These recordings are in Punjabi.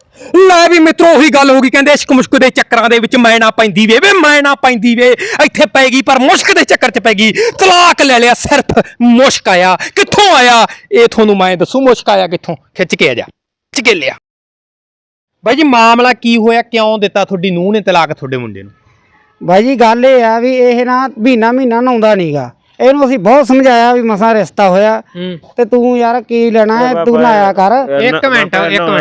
ਲੈ ਵੀ ਮਿੱਤਰੋ ਉਹੀ ਗੱਲ ਹੋ ਗਈ, ਕਹਿੰਦੇ ਇਸ਼ਕ ਮੁਸ਼ਕ ਦੇ ਚੱਕਰਾਂ ਦੇ ਵਿੱਚ ਮੈਂ ਨਾ ਪੈਂਦੀ ਵੇ ਮੈਂ ਨਾ ਪੈਂਦੀ ਵੇ, ਇੱਥੇ ਪੈ ਗਈ ਪਰ ਮੁਸ਼ਕ ਦੇ ਚੱਕਰ 'ਚ ਪੈ ਗਈ, ਤਲਾਕ ਲੈ ਲਿਆ ਸਿਰਫ ਮੁਸ਼ਕ ਆਇਆ। ਕਿੱਥੋਂ ਆਇਆ ਇਹ ਤੁਹਾਨੂੰ ਮੈਂ ਦੱਸੂ, ਮੁਸ਼ਕ ਆਇਆ ਕਿੱਥੋਂ, ਖਿੱਚ ਕੇ ਆ ਜਾ, ਖਿੱਚ ਕੇ ਲਿਆ। ਬਾਈ ਜੀ ਮਾਮਲਾ ਕੀ ਹੋਇਆ, ਕਿਉਂ ਦਿੱਤਾ ਤੁਹਾਡੀ ਨੂੰਹ ਨੇ ਤਲਾਕ ਤੁਹਾਡੇ ਮੁੰਡੇ ਨੂੰ? ਬਾਈ ਜੀ ਗੱਲ ਇਹ ਆ ਵੀ ਇਹ ਨਾ ਮਹੀਨਾ ਨਹਾਉਂਦਾ ਨਹੀਂਗਾ, ਇਹਨੂੰ ਅਸੀਂ ਬਹੁਤ ਸਮਝਾਇਆ ਵੀ ਮਸਾਂ ਰਿਸ਼ਤਾ ਹੋਇਆ ਤੇ ਤੂੰ ਯਾਰ ਕੀ ਲੈਣਾ ਹੈ, ਤੂੰ ਨਹਾਇਆ ਕਰ। ਇੱਕ ਮਿੰਟ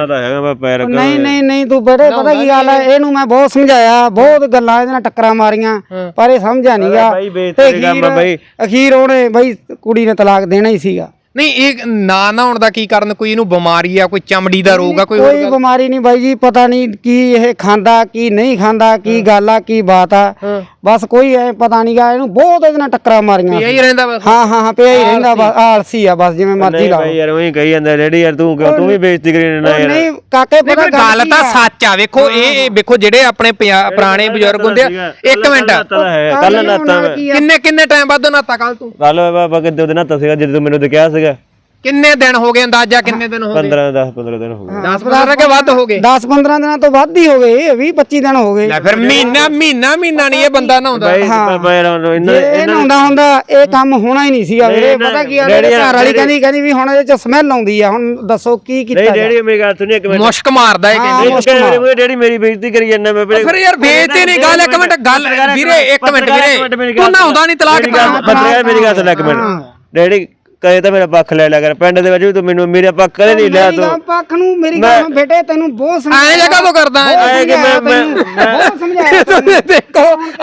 ਨਹੀਂ ਤੂੰ ਬੜੇ ਪਤਾ ਕੀ ਗੱਲ ਹੈ, ਇਹਨੂੰ ਮੈਂ ਬਹੁਤ ਸਮਝਾਇਆ, ਬਹੁਤ ਗੱਲਾਂ ਇਹਦੇ ਨਾਲ ਟੱਕਰਾਂ ਮਾਰੀਆਂ ਪਰ ਇਹ ਸਮਝਿਆ ਨਹੀਂਗਾ ਤੇ ਅਖੀਰ ਉਹਨੇ ਬਈ ਕੁੜੀ ਨੇ ਤਲਾਕ ਦੇਣਾ ਹੀ ਸੀਗਾ। ਨਹੀਂ ਇਹ ਨਾ ਨਹਾਉਣ ਦਾ ਕੀ ਕਾਰਨ, ਕੋਈ ਇਹਨੂੰ ਬਿਮਾਰੀ ਆ, ਕੋਈ ਚਮੜੀ ਦਾ ਰੋਗ ਆ, ਕੋਈ ਬਿਮਾਰੀ ਨਹੀਂ ਬਾਈ ਜੀ, ਪਤਾ ਨਹੀਂ ਕੀ ਇਹ ਖਾਂਦਾ ਕੀ ਨਹੀਂ ਖਾਂਦਾ, ਕੀ ਗੱਲ ਆ ਕੀ ਬਾਤ ਆ, ਬਸ ਕੋਈ ਐ ਪਤਾ ਨਹੀਂਗਾ। ਇਹਨੂੰ ਬਹੁਤ ਇਹਦੇ ਨਾਲ ਟੱਕਰਾਂ ਮਾਰੀਆਂ, ਪਿਆ ਹੀ ਰਹਿੰਦਾ ਬਸ। ਹਾਂ ਪਿਆ ਹੀ ਰਹਿੰਦਾ ਬਸ, ਆਲਸੀ ਆ ਬਸ, ਜਿਵੇਂ ਮਰਜ਼ੀ ਲਾ ਯਾਰ ਉਹੀ ਕਹੀ ਜਾਂਦਾ ਰੈਡੀ ਯਾਰ, ਤੂੰ ਵੀ ਬੇਇੱਜ਼ਤੀ ਕਰੀ ਨਾ ਯਾਰ। ਨਹੀਂ ਕਾਕੇ ਪਤਾ ਗੱਲ ਤਾਂ ਸੱਚ ਆ, ਵੇਖੋ ਇਹ ਵੇਖੋ ਜਿਹੜੇ ਆਪਣੇ ਪੁਰਾਣੇ ਬਜ਼ੁਰਗ ਹੁੰਦੇ ਆ। ਇੱਕ ਮਿੰਟ, ਕੱਲ ਨਾਤਾ ਕਿੰਨੇ ਟਾਈਮ ਬਾਅਦ ਨਾਤਾ? ਕੱਲ ਤੂੰ ਕੱਲ ਬਾਬਾ ਕਿੱਦੇ ਉਹਦੇ ਨਾਤਾ ਸੀਗਾ ਜਦੋਂ ਮੈਨੂੰ ਕਿਹਾ ਸੀਗਾ। ਕਿੰਨੇ ਦਿਨ ਹੋ ਗਏ ਅੰਦਾਜ਼ਾ, ਕਿੰਨੇ ਦਿਨ ਹੋ ਗਏ? 15 ਦਿਨ ਹੋ ਗਏ। 10-15 ਕੇ ਵੱਧ ਹੋ ਗਏ? 10-15 ਦਿਨਾਂ ਤੋਂ ਵੱਧ ਹੀ ਹੋ ਗਏ, 20-25 ਦਿਨ ਹੋ ਗਏ। ਲੈ ਫਿਰ ਮਹੀਨਾ ਨਹੀਂ ਇਹ ਬੰਦਾ ਨਹਾਉਂਦਾ। ਇਹ ਨਹਾਉਂਦਾ ਹੁੰਦਾ ਇਹ ਕੰਮ ਹੋਣਾ ਹੀ ਨਹੀਂ ਸੀਗਾ ਵੀਰੇ। ਪਤਾ ਕੀ ਆ, ਘਰ ਵਾਲੀ ਕਹਿੰਦੀ ਵੀ ਹੁਣ ਇਹਦੇ ਚ ਸਮੈਲ ਆਉਂਦੀ ਆ, ਹੁਣ ਦੱਸੋ ਕੀ ਕੀਤਾ ਜਾਵੇ। ਡੈਡੀ ਮੇਰੀ ਗੱਲ ਸੁਣੀ, ਇੱਕ ਮਿੰਟ ਮੁਸ਼ਕ ਮਾਰਦਾ ਇਹ ਕਹਿੰਦੇ। ਡੈਡੀ ਮੇਰੀ ਬੇਇੱਜ਼ਤੀ ਕਰੀ ਜਾਂਦਾ ਮੈਂ ਫਿਰ ਯਾਰ ਬੇਇੱਜ਼ਤੀ ਨਹੀਂ ਗੱਲ। ਇੱਕ ਮਿੰਟ ਗੱਲ ਵੀਰੇ, ਇੱਕ ਮਿੰਟ ਵੀਰੇ, ਤੂੰ ਨਹਾਉਂਦਾ ਨਹੀਂ ਤਲਾਕ ਬੰਦੇ ਮੇਰੀ ਗੱਲ ਸੁਣ ਇੱਕ ਮਿੰਟ। ਡੈਡੀ ਕਦੇ ਤਾਂ ਮੇਰਾ ਪੱਖ ਲੈ ਲਿਆ ਕਰ, ਪਿੰਡ ਦੇ ਵਿੱਚ ਵੀ ਤੂੰ ਮੈਨੂੰ ਮੇਰੇ ਪੱਖ ਕਦੇ ਨਹੀਂ ਲਿਆ ਤੂੰ। ਪੱਖ ਨੂੰ ਮੇਰੀ ਗੱਲ ਬੇਟੇ ਤੈਨੂੰ ਬਹੁਤ ਸਮਝਾਇਆ। ਐਂ ਜਗ੍ਹਾ ਤੋਂ ਕਰਦਾ ਬਹੁਤ ਸਮਝਾਇਆ। ਦੇਖੋ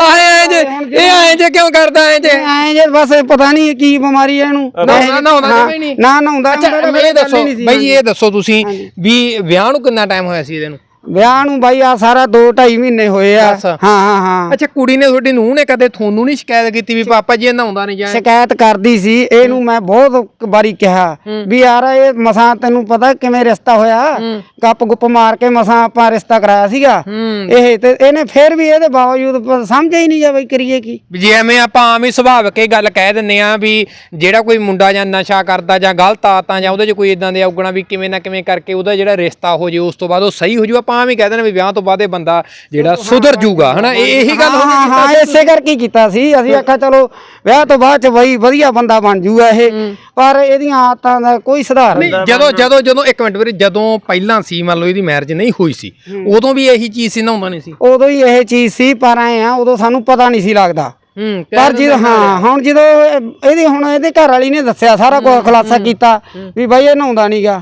ਐਂ ਜੇ ਕਿਉਂ ਕਰਦਾ ਐਂ ਜੇ ਬਸ ਪਤਾ ਨਹੀਂ ਕੀ ਬਿਮਾਰੀ ਹੈ ਇਹਨੂੰ। ਨਾ ਨਹਾਉਂਦਾ। ਇਹ ਦੱਸੋ ਬਾਈ, ਇਹ ਦੱਸੋ ਤੁਸੀਂ ਵੀ ਵਿਆਹ ਨੂੰ ਕਿੰਨਾ ਟਾਈਮ ਹੋਇਆ ਸੀ ਇਹਦੇ ਨੂੰ? ਵਿਆਹ ਨੂੰ ਬਾਈ ਆ ਸਾਰਾ 2-2.5 ਮਹੀਨੇ ਹੋਏ ਆ। ਹਾਂ। ਅੱਛਾ, ਕੁੜੀ ਨੇ ਤੁਹਾਡੀ ਨੂੰਹ ਨੇ ਕਦੇ ਤੁਹਾਨੂੰ ਨਹੀਂ ਸ਼ਿਕਾਇਤ ਕੀਤੀ ਵੀ ਪਾਪਾ ਜੀ ਇਹ ਨਹਾਉਂਦਾ ਨਹੀਂ? ਜਾਂ ਸ਼ਿਕਾਇਤ ਕਰਦੀ ਸੀ ਇਹਨੂੰ, ਮੈਂ ਬਹੁਤ ਵਾਰੀ ਕਿਹਾ ਵੀ ਯਾਰ ਇਹ ਮਸਾਂ ਤੈਨੂੰ ਪਤਾ ਕਿਵੇਂ ਰਿਸ਼ਤਾ ਹੋਇਆ, ਗੱਪ ਗੁੱਪ ਮਾਰ ਕੇ ਮਸਾਂ ਆਪਾਂ ਰਿਸ਼ਤਾ ਕਰਾਇਆ ਸੀਗਾ ਇਹ, ਤੇ ਇਹਨੇ ਫੇਰ ਵੀ ਇਹਦੇ ਬਾਵਜੂਦ ਸਮਝਿਆ ਹੀ ਨਹੀਂ ਜਾ ਬਈ ਕਰੀਏ ਕੀ। ਜੇ ਐਵੇਂ ਆਪਾਂ ਆਮ ਹੀ ਸੁਭਾਵਿਕ ਇਹ ਗੱਲ ਕਹਿ ਦਿੰਨੇ ਆ ਵੀ ਜਿਹੜਾ ਕੋਈ ਮੁੰਡਾ ਜਾਂ ਨਸ਼ਾ ਕਰਦਾ ਜਾਂ ਗਲਤ ਆਦਤਾਂ ਜਾਂ ਉਹਦੇ 'ਚ ਕੋਈ ਇਦਾਂ ਦੇ ਔਗਣਾ ਵੀ ਕਿਵੇਂ ਨਾ ਕਿਵੇਂ ਕਰਕੇ ਉਹਦਾ ਜਿਹੜਾ ਰਿਸ਼ਤਾ ਹੋ ਜੇ ਉਸ ਤੋਂ ਬਾਅਦ ਉਹ ਸਹੀ ਹੋ ਜੂ, ਆਪਾਂ ਵੀ ਕਹਿ ਦੇਣਾ ਵੀ ਵਿਆਹ ਤੋਂ ਬਾਅਦ ਇਹ ਬੰਦਾ ਜਿਹੜਾ ਸੁਧਰ ਜੂਗਾ, ਹਨਾ? ਇਹੀ ਗੱਲ ਹਾਂ ਇਸੇ ਕਰਕੇ ਕੀਤਾ ਸੀ ਅਸੀਂ। ਆਖਿਆ ਚਲੋ ਵਿਆਹ ਤੋਂ ਬਾਅਦ ਚ ਬਈ ਵਧੀਆ ਬੰਦਾ ਬਣ ਜੂਗਾ ਇਹ, ਪਰ ਇਹਦੀਆਂ ਆਦਤਾਂ ਦਾ ਕੋਈ ਸੁਧਾਰ ਨਹੀਂ। ਜਦੋਂ ਇੱਕ ਮਿੰਟ ਵੀਰੇ, ਜਦੋਂ ਪਹਿਲਾਂ ਸੀ ਮੰਨ ਲਓ ਇਹਦੀ ਮੈਰਿਜ ਨਹੀਂ ਹੋਈ ਸੀ, ਉਦੋਂ ਵੀ ਇਹੀ ਚੀਜ਼ ਸੀ, ਨਹਾਉਂਦਾ ਨਹੀਂ ਸੀ? ਉਦੋਂ ਹੀ ਇਹ ਚੀਜ਼ ਸੀ, ਪਰ ਐ ਆ ਉਦੋਂ ਸਾਨੂੰ ਪਤਾ ਨਹੀਂ ਸੀ ਲੱਗਦਾ। ਪਰ ਜਦੋਂ ਹੁਣ ਜਦੋਂ ਇਹਦੇ ਘਰ ਵਾਲੀ ਨੇ ਦੱਸਿਆ, ਸਾਰਾ ਕੁਝ ਖੁਲਾਸਾ ਕੀਤਾ ਵੀ ਬਾਈ ਇਹ ਨਹਾਉਂਦਾ ਨਹੀਂਗਾ।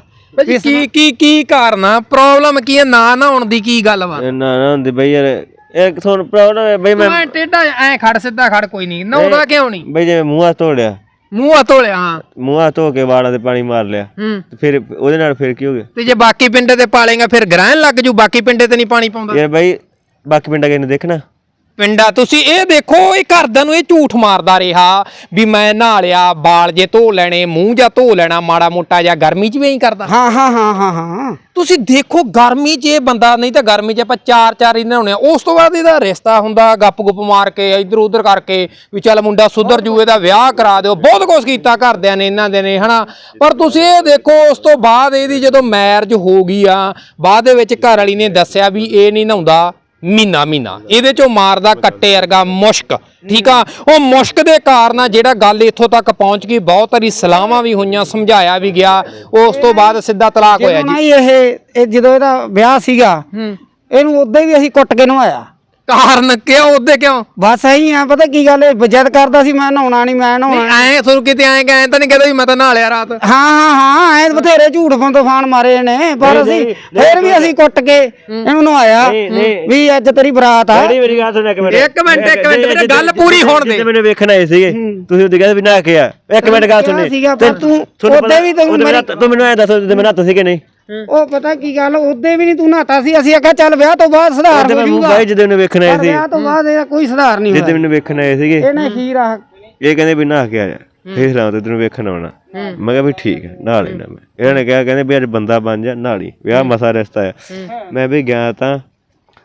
ਕੀ ਕਾਰਨ ਆ, ਪ੍ਰੋਬਲਮ ਕੀ ਹੈ ਨਾ ਨਹਾਉਣ ਦੀ, ਕੀ ਗੱਲ ਵਾ? ਨਾ ਹੁੰਦੀ ਬਈ ਯਾਰ, ਇੱਕ ਤੁਹਾਨੂੰ ਪ੍ਰੋਬਲਮ ਹੈ ਬਈ। ਮੈਂ ਟੇਢਾ ਐ ਖੜ, ਸਿੱਧਾ ਖੜ, ਕੋਈ ਨਹੀਂ ਨਹਾਉਂਦਾ ਕਿਉਂ ਨਹੀਂ? ਬਈ ਜਿਵੇਂ ਮੂੰਹ ਹੱਥ ਧੋ ਲਿਆ, ਹਾਂ ਮੂੰਹ ਹੱਥ ਧੋ ਕੇ ਵਾਲਾਂ ਤੇ ਪਾਣੀ ਮਾਰ ਲਿਆ, ਫਿਰ ਉਹਦੇ ਨਾਲ ਫਿਰ ਕੀ ਹੋ ਗਿਆ? ਤੇ ਜੇ ਬਾਕੀ ਪਿੰਡੇ ਤੇ ਪਾਲੇਗਾ ਫਿਰ ਗ੍ਰਹਿਣ ਲੱਗ ਜੂ, ਬਾਕੀ ਪਿੰਡੇ ਤੇ ਨਹੀਂ ਪਾਣੀ ਪਾਉਂਦਾ ਯਾਰ ਬਈ, ਬਾਕੀ ਪਿੰਡਾਂ ਕਿਹਨੇ ਦੇਖਣਾ? ਪਿੰਡਾ ਤੁਸੀਂ ਇਹ ਦੇਖੋ, ਇਹ ਘਰਦਿਆਂ ਨੂੰ ਇਹ ਝੂਠ ਮਾਰਦਾ ਰਿਹਾ ਵੀ ਮੈਂ ਨਹਾ ਲਿਆ, ਬਾਲ ਜੇ ਧੋ ਲੈਣੇ, ਮੂੰਹ ਜਾਂ ਧੋ ਲੈਣਾ ਮਾੜਾ ਮੋਟਾ, ਜਾਂ ਗਰਮੀ 'ਚ ਵੀ ਐਂ ਕਰਦਾ। ਹਾਂ ਤੁਸੀਂ ਦੇਖੋ ਗਰਮੀ 'ਚ ਇਹ ਬੰਦਾ, ਨਹੀਂ ਤਾਂ ਗਰਮੀ 'ਚ ਆਪਾਂ 4 ਹੀ ਨਹਾਉਣੇ ਆ, ਉਸ ਤੋਂ ਬਾਅਦ ਇਹਦਾ ਰਿਸ਼ਤਾ ਹੁੰਦਾ, ਗੱਪ ਗੁੱਪ ਮਾਰ ਕੇ ਇੱਧਰ ਉੱਧਰ ਕਰਕੇ ਵੀ ਚੱਲ ਮੁੰਡਾ ਸੁਧਰ ਜੂ, ਇਹਦਾ ਵਿਆਹ ਕਰਾ ਦਿਓ, ਬਹੁਤ ਕੁਛ ਕੀਤਾ ਘਰਦਿਆਂ ਨੇ ਇਹਨਾਂ ਦੇ ਨੇ, ਹਨਾ? ਪਰ ਤੁਸੀਂ ਇਹ ਦੇਖੋ ਉਸ ਤੋਂ ਬਾਅਦ ਇਹਦੀ ਜਦੋਂ ਮੈਰਿਜ ਹੋ ਗਈ ਆ, ਬਾਅਦ ਦੇ ਵਿੱਚ ਘਰ ਵਾਲੀ ਨੇ ਦੱਸਿਆ ਵੀ ਇਹ ਨਹੀਂ ਨਹਾਉਂਦਾ ਮਹੀਨਾ ਇਹਦੇ ਚੋਂ ਮਾਰਦਾ ਕੱਟੇ ਵਰਗਾ ਮੁਸ਼ਕ, ਠੀਕ ਆ? ਉਹ ਮੁਸ਼ਕ ਦੇ ਕਾਰਨ ਜਿਹੜਾ ਗੱਲ ਇੱਥੋਂ ਤੱਕ ਪਹੁੰਚ ਗਈ, ਬਹੁਤ ਸਾਰੀ ਸਲਾਹਾਂ ਵੀ ਹੋਈਆਂ, ਸਮਝਾਇਆ ਵੀ ਗਿਆ, ਉਸ ਤੋਂ ਬਾਅਦ ਸਿੱਧਾ ਤਲਾਕ ਹੋਇਆ ਜੀ। ਇਹ ਜਦੋਂ ਇਹਦਾ ਵਿਆਹ ਸੀਗਾ ਇਹਨੂੰ ਉਦੋਂ ਵੀ ਅਸੀਂ ਕੁੱਟ ਕੇ ਨਵਾਇਆ। ਕਾਰਨ ਕਿਉਂ? ਉਹਦੇ ਕਿਉਂ? ਬਸ ਇਹੀ ਆ, ਪਤਾ ਕੀ ਗੱਲ ਹੈ, ਜਿੱਦ ਕਰਦਾ ਸੀ ਮੈਂ ਨਹਾਉਣਾ ਨਹੀਂ, ਮੈਂ ਨਹਾਉਣਾ। ਐ ਤੁਹਾਨੂੰ ਕਿਤੇ ਐ ਤਾਂ ਨਹੀਂ ਕਹਦਾ ਵੀ ਮੈਂ ਤਾਂ ਨਹਾ ਲਿਆ ਰਾਤ? ਹਾਂ ਐ ਬਥੇਰੇ ਝੂਠ ਫਾਨ ਮਾਰੇ ਨੇ, ਪਰ ਅਸੀਂ ਫੇਰ ਵੀ ਅਸੀਂ ਕੁੱਟ ਕੇ ਇਹਨੂੰ ਨਵਾਇਆ ਵੀ ਅੱਜ ਤੇਰੀ ਬਰਾਤ ਆ। ਮੇਰੀ ਗੱਲ ਸੁਣ ਇੱਕ ਮਿੰਟ ਗੱਲ ਪੂਰੀ ਹੋਣ ਦੇ। ਮੈਨੂੰ ਵੇਖਣ ਆਏ ਸੀਗੇ ਤੁਸੀਂ, ਉਹਦੇ ਕਹਿੰਦੇ ਵੀ ਨਹਾ ਕੇ ਆ। ਇੱਕ ਮਿੰਟ ਗੱਲ ਸੁਣੀ, ਤੂੰ ਉਹਦੇ ਵੀ ਤੂੰ ਮੈਨੂੰ ਐ ਦੱਸੋ ਮੈਂ ਨਹਾਤਾ ਸੀ ਕਿ ਨਹੀਂ? ਉਹ ਪਤਾ ਕੀ ਗੱਲ, ਉਹਦੇ ਵੀ ਨਹੀਂ ਤੂੰ ਨਹਾਤਾ ਸੀ। ਅਸੀਂ ਆਖਿਆ ਚੱਲ ਵਿਆਹ ਤੋਂ ਬਾਅਦ ਸੁਧਾਰ ਹੋ ਜਾਊਗਾ। ਬਾਈ ਜਦੋਂ ਮੈਨੂੰ ਵੇਖਣ ਆਏ ਸੀ, ਵਿਆਹ ਤੋਂ ਬਾਅਦ ਇਹਦਾ ਕੋਈ ਸੁਧਾਰ ਨਹੀਂ ਹੋਇਆ। ਜਦੋਂ ਮੈਨੂੰ ਵੇਖਣ ਆਏ ਸੀਗੇ ਇਹਨੇ ਖੀਰ ਆ, ਇਹ ਕਹਿੰਦੇ ਵੀ ਨਹਾ ਕੇ ਆ ਜਾ, ਫੇਰ ਰਾਤ ਤੈਨੂੰ ਵੇਖਣ ਆਉਣਾ। ਮੈਂ ਕਿਹਾ ਵੀ ਠੀਕ ਹੈ, ਨਹਾ ਲੈਣਾ ਮੈਂ। ਇਹਨਾਂ ਨੇ ਕਿਹਾ ਕਹਿੰਦੇ ਵੀ ਅੱਜ ਬੰਦਾ ਬਣ ਜਾ, ਨਹਾ ਲਈ, ਵਿਆਹ ਮਸਾ ਰਿਸ਼ਤਾ ਆ। ਮੈਂ ਵੀ ਗਿਆ ਤਾਂ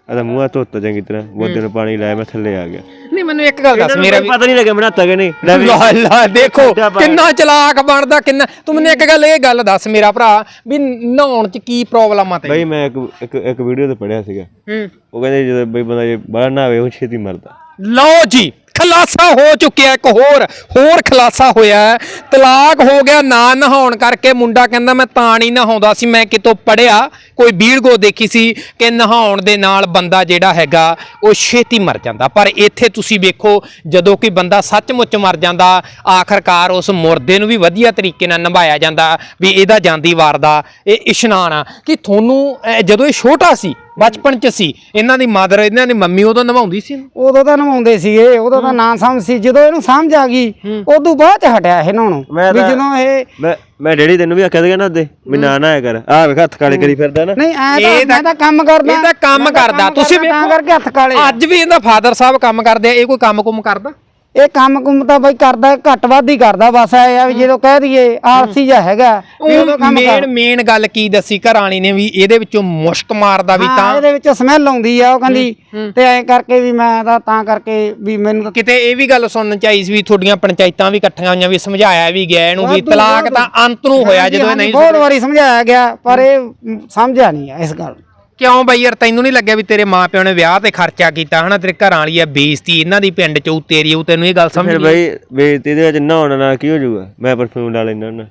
ਆਦਾ ਮੂੰਹ ਹੱਥ ਧੋਤਾ ਚੰਗੀ ਤਰ੍ਹਾਂ ਬੋਦੇ ਨੂੰ ਪਾਣੀ ਲਾਇਆ ਮੈਂ ਥੱਲੇ ਆ ਗਿਆ। ਨਹੀਂ ਮੈਨੂੰ ਇੱਕ ਗੱਲ ਦੱਸ, ਮੇਰਾ ਵੀ ਪਤਾ ਨਹੀਂ ਲੱਗਿਆ ਬਣਾਤਾ ਕਿ ਨਹੀਂ। ਲਾ ਦੇਖੋ ਕਿੰਨਾ ਚਲਾਕ ਬਣਦਾ ਕਿੰਨਾ। ਤੂੰ ਮੈਨੂੰ ਇੱਕ ਗੱਲ ਦੱਸ ਮੇਰਾ ਭਰਾ, ਵੀ ਨਹਾਉਣ ਚ ਕੀ ਪ੍ਰੋਬਲਮ ਆ ਤੇ? ਬਈ ਮੈਂ ਇੱਕ ਵੀਡੀਓ ਤੇ ਪੜਿਆ ਸੀਗਾ, ਉਹ ਕਹਿੰਦੇ ਜਦੋਂ ਬਈ ਬੰਦਾ ਜੇ ਬਾਹਰ ਨਹਾਵੇ ਉਹ ਛੇਤੀ ਮਰਦਾ। ਲਓ ਜੀ ਖੁਲਾਸਾ ਹੋ ਚੁੱਕਿਆ, ਇੱਕ ਹੋਰ ਖੁਲਾਸਾ ਹੋਇਆ। ਤਲਾਕ ਹੋ ਗਿਆ ਨਾ ਨਹਾਉਣ ਕਰਕੇ। ਮੁੰਡਾ ਕਹਿੰਦਾ ਮੈਂ ਤਾਂ ਨਹੀਂ ਨਹਾਉਂਦਾ ਸੀ, ਮੈਂ ਕਿਤੋਂ ਪੜਿਆ ਕੋਈ ਵੀਡੀਓ ਦੇਖੀ ਸੀ ਕਿ ਨਹਾਉਣ ਦੇ ਨਾਲ ਬੰਦਾ ਜਿਹੜਾ ਹੈਗਾ ਉਹ ਛੇਤੀ ਮਰ ਜਾਂਦਾ। ਪਰ ਇੱਥੇ ਤੁਸੀਂ ਵੇਖੋ ਜਦੋਂ ਕੋਈ ਬੰਦਾ ਸੱਚਮੁੱਚ ਮਰ ਜਾਂਦਾ, ਆਖਰਕਾਰ ਉਸ ਮੁਰਦੇ ਨੂੰ ਵੀ ਵਧੀਆ ਤਰੀਕੇ ਨਾਲ ਨਿਭਾਇਆ ਜਾਂਦਾ ਵੀ ਇਹਦਾ ਜਾਂਦੀ ਵਾਰ ਦਾ ਇਹ ਇਸ਼ਨਾਨ ਆ। ਕਿ ਤੁਹਾਨੂੰ ਜਦੋਂ ਇਹ ਛੋਟਾ ਸੀ ਬਚਪਨ ਚ ਸੀ, ਇਹਨਾਂ ਦੀ ਮਦਰ ਇਹਨਾਂ ਦੀ ਮੰਮੀ ਉਦੋਂ ਨਵਾਉਂਦੀ ਸੀ? ਉਦੋਂ ਤਾਂ ਨਵਾਉਂਦੇ ਸੀਗੇ, ਉਦੋਂ ਤਾਂ ਨਾ ਸਮਝ ਸੀ। ਜਦੋਂ ਇਹਨੂੰ ਸਮਝ ਆ ਗਈ ਉਦੋਂ ਬਾਅਦ ਚ ਹਟਿਆ ਇਹ ਨਹਾਉਣੋਂ। ਵੀ ਜਦੋਂ ਇਹ ਮੈਂ ਡੈਡੀ ਤੈਨੂੰ ਵੀ ਆਖਿਆ ਸੀਗਾ ਨਾ ਉਹਦੇ ਵੀ ਨਾ ਨਾ ਕਰ, ਆਹ ਵੇਖ ਹੱਥ ਕਾਲੇ ਕਰੀ ਫਿਰਦਾ ਨਾ। ਨਹੀਂ ਐ ਮੈਂ ਤਾਂ ਕੰਮ ਕਰਦਾ, ਇਹ ਤਾਂ ਕੰਮ ਕਰਦਾ। ਤੁਸੀਂ ਤਾਂ ਕਰਕੇ ਹੱਥ ਕਾਲੇ। ਅੱਜ ਵੀ ਇਹਦਾ ਫਾਦਰ ਸਾਹਿਬ ਕੰਮ ਕਰਦੇ ਆ, ਇਹ ਕੋਈ ਕੰਮ ਕੁਮ ਕਰਦਾ? ਇਹ ਕੰਮ ਕੁੰਮ ਤਾਂ ਬਈ ਕਰਦਾ ਘੱਟ ਵੱਧ ਹੀ ਕਰਦਾ। ਬਸ ਇਹ ਆ ਵੀ ਜਦੋਂ ਕਹਿ ਦਈਏ ਆਲਸੀ ਜਿਹਾ ਹੈਗਾ ਵੀ ਉਦੋਂ ਕੰਮ ਕਰ। ਮੇਨ ਗੱਲ ਕੀ ਦੱਸੀ ਘਰ ਵਾਲੀ ਨੇ ਵੀ ਇਹਦੇ ਵਿੱਚੋਂ ਮੁਸ਼ਕ ਮਾਰਦਾ ਵੀ ਤਾਂ ਇਹਦੇ ਵਿੱਚੋਂ ਸਮੈਲ ਆਉਂਦੀ ਆ। ਉਹ ਕਹਿੰਦੀ ਤੇ ਐਂ ਕਰਕੇ ਵੀ ਮੈਂ ਤਾਂ ਕਰਕੇ ਵੀ ਮੈਨੂੰ ਕਿਤੇ ਇਹ ਵੀ ਗੱਲ ਸੁਣਨ ਚਾਹੀਦੀ ਸੀ ਵੀ ਤੁਹਾਡੀਆਂ ਪੰਚਾਇਤਾਂ ਵੀ ਇਕੱਠੀਆਂ ਹੋਈਆਂ ਵੀ ਸਮਝਾਇਆ ਵੀ ਗਿਆ ਇਹਨੂੰ ਵੀ ਤਲਾਕ ਤਾਂ ਅੰਤ ਨੂੰ ਹੋਇਆ ਜਦੋਂ ਨਹੀਂ। ਬਹੁਤ ਵਾਰੀ ਸਮਝਾਇਆ ਗਿਆ ਪਰ ਇਹ ਸਮਝਿਆ ਨਹੀਂ ਆ ਇਸ ਗੱਲ। ਕਿਉਂ ਬਈ ਯਾਰ ਤੈਨੂੰ ਨਹੀਂ ਲੱਗਿਆ ਵੀ ਤੇਰੇ ਮਾਪਿਓ ਨੇ ਵਿਆਹ ਤੇ ਖਰਚਾ ਕੀਤਾ ਹਨਾ, ਤੇਰੇ ਘਰਾਂ ਵਾਲੀ ਆ ਬੇਇੱਜ਼ਤੀ ਇਹਨਾਂ ਦੀ ਪਿੰਡ ਚ ਤੇਰੀ ਉਹ, ਤੈਨੂੰ ਇਹ ਗੱਲ ਸਮਝ ਫਿਰ ਬਈ ਬੇਇੱਜ਼ਤੀ ਦੇ ਵਿੱਚ ਨਹਾਉਣ ਨਾਲ ਕੀ ਹੋ ਜਾਊਗਾ? ਮੈਂ ਪਰਫਿਊਮ ਲਾ ਲੈਂਦਾ ਹੁੰਦਾ,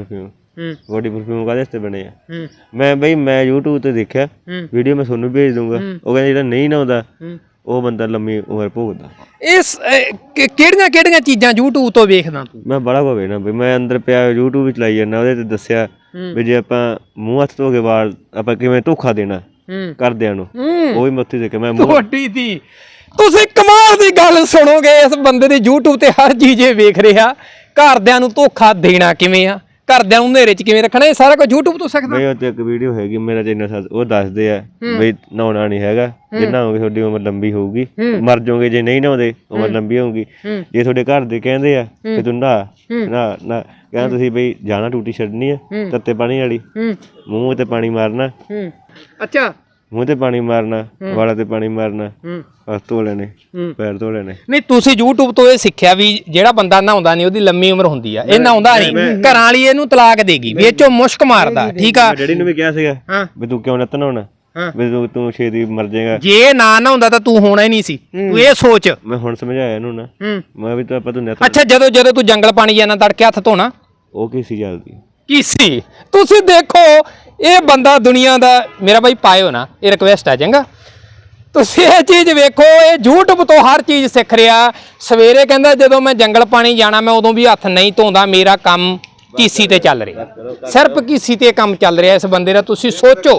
ਬੋਡੀ ਪਰਫਿਊਮ ਕਾਹਦੇ ਵਾਸਤੇ ਬਣੇ ਆ? ਮੈਂ YouTube ਤੇ ਦੇਖਿਆ ਵੀਡੀਓ, ਮੈਂ ਤੁਹਾਨੂੰ ਭੇਜ ਦੂੰਗਾ। ਉਹ ਕਹਿੰਦਾ ਜਿਹੜਾ ਨਹੀਂ ਨਹਾਉਂਦਾ ਉਹ ਬੰਦਾ ਲੰਮੀ ਉਮਰ ਭੋਗਦਾ। ਇਸ ਕਿਹੜੀਆਂ ਚੀਜ਼ਾਂ YouTube ਤੋਂ ਵੇਖਦਾ ਤੂੰ? ਮੈਂ ਬੜਾ ਕੋ ਵੇਖਣਾ ਬਈ, ਮੈਂ ਅੰਦਰ ਪਿਆ YouTube ਵੀ ਚਲਾਈ ਜਾਂਦਾ, ਉਹਦੇ ਤੇ ਦੱਸਿਆ ਵੀ ਜੇ ਆਪਾਂ ਮੂੰਹ ਹੱਥ ਧੋ ਕੇ ਵਾਲ ਆਪਾਂ ਕਿਵੇਂ ਧੋਖਾ ਦੇਣਾ ਘਰਦਿਆਂ ਨੂੰ, ਉਹ ਵੀ ਮੈਂ ਉੱਥੇ ਦੇਖਿਆ। ਮੈਂ ਤੁਹਾਡੀ ਦੀ ਤੁਸੀਂ ਕਮਾਲ ਦੀ ਗੱਲ ਸੁਣੋਗੇ, ਇਸ ਬੰਦੇ ਦੇ YouTube ਤੇ ਹਰ ਚੀਜ਼ ਇਹ ਵੇਖ ਰਿਹਾ। ਘਰਦਿਆਂ ਨੂੰ ਧੋਖਾ ਦੇਣਾ ਕਿਵੇਂ ਆ, ਘਰਦਿਆਂ ਨੂੰ ਹਨੇਰੇ 'ਚ ਕਿਵੇਂ ਰੱਖਣਾ, ਇਹ ਸਾਰਾ ਕੁਝ YouTube ਤੋਂ ਸਿੱਖਦਾ। ਬਈ ਉੱਤੇ ਇੱਕ ਵੀਡੀਓ ਹੈਗੀ ਮੇਰਾ ਚੈਨਲ, ਉਹ ਦੱਸਦੇ ਆ ਬਈ ਨਹਾਉਣਾ ਨਹੀਂ ਹੈਗਾ, ਜੇ ਨਹਾਓਗੇ ਤੁਹਾਡੀ ਉਮਰ ਲੰਬੀ ਹੋਊਗੀ, ਮਰ ਜਾਓਗੇ। ਜੇ ਨਹੀਂ ਨਹਾਉਂਦੇ ਉਮਰ ਲੰਬੀ ਹੋਊਗੀ। ਜੇ ਤੁਹਾਡੇ ਘਰ ਦੇ ਕਹਿੰਦੇ ਆ ਕਿ ਤੂੰ ਨਹਾ ਕਹਿੰਦਾ ਤੁਸੀਂ ਬਈ ਜਾਣਾ ਟੂਟੀ ਛੱਡਣੀ ਆ ਤੱਤੇ ਪਾਣੀ ਵਾਲੀ, ਮੂੰਹ ਤੇ ਪਾਣੀ ਮਾਰਨਾ। ਅੱਛਾ, ਮੂੰਹ ਤੇ ਪਾਣੀ ਮਾਰਨਾ, ਵਾਲਾਂ ਤੇ ਪਾਣੀ ਮਾਰਨਾ, ਹੱਥ ਧੋ ਲੈਣੇ, ਪੈਰ ਧੋ ਲੈਣੇ। ਨਹੀਂ ਤੁਸੀਂ YouTube ਤੋਂ ਇਹ ਸਿੱਖਿਆ ਵੀ ਜਿਹੜਾ ਬੰਦਾ ਨਹਾਉਂਦਾ ਨਹੀਂ ਉਹਦੀ ਲੰਮੀ ਉਮਰ ਹੁੰਦੀ ਆ, ਇਹ ਨਹਾਉਂਦਾ ਨਹੀਂ, ਘਰਾਂ ਵਾਲੀ ਇਹਨੂੰ ਤਲਾਕ ਦੇਗੀ ਵੀ ਇਹ ਚੋਂ ਮੁਸ਼ਕ ਮਾਰਦਾ। ਠੀਕ ਆ, ਡੈਡੀ ਨੂੰ ਵੀ ਕਿਹਾ ਸੀਗਾ ਵੀ ਤੂੰ ਕਿਉਂ ਨਾ ਨਹਾਉਣਾ, ਵੀ ਤੂੰ ਛੇਤੀ ਮਰ ਜਾਏਗਾ। ਜੇ ਨਾ ਨਹਾਉਂਦਾ ਤਾਂ ਤੂੰ ਹੋਣਾ ਹੀ ਨਹੀਂ ਸੀ, ਤੂੰ ਇਹ ਸੋਚ। ਮੈਂ ਹੁਣ ਸਮਝਾਇਆ ਇਹਨੂੰ ਨਾ, ਮੈਂ ਵੀ ਤਾਂ ਆਪਾਂ ਤੂੰ ਅੱਛਾ ਜਦੋਂ ਤੂੰ ਜੰਗਲ ਪਾਣੀ ਜਾਣਾ ਤੜਕੇ ਹੱਥ ਧੋਣਾ, ਉਹ ਕੀ ਸੀ ਜਲਦੀ ਕੀ ਸੀ? ਤੁਸੀਂ ਦੇਖੋ ਇਹ ਬੰਦਾ ਦੁਨੀਆ ਦਾ, ਮੇਰਾ ਬਾਈ ਪਾਇਓ ਨਾ, ਇਹ ਰਿਕਵੈਸਟ ਆ ਚੰਗਾ। ਤੁਸੀਂ ਇਹ ਚੀਜ਼ ਵੇਖੋ, ਇਹ YouTube ਤੋਂ ਹਰ ਚੀਜ਼ ਸਿੱਖ ਰਿਹਾ। ਸਵੇਰੇ ਕਹਿੰਦਾ ਜਦੋਂ ਮੈਂ ਜੰਗਲ ਪਾਣੀ ਜਾਣਾ ਮੈਂ ਉਦੋਂ ਵੀ ਹੱਥ ਨਹੀਂ ਧੋਂਦਾ, ਮੇਰਾ ਕੰਮ ਕੀਸੀ ਤੇ ਚੱਲ ਰਿਹਾ, ਸਿਰਫ ਕੀਸੀ ਤੇ ਕੰਮ ਚੱਲ ਰਿਹਾ ਇਸ ਬੰਦੇ ਦਾ। ਤੁਸੀਂ ਸੋਚੋ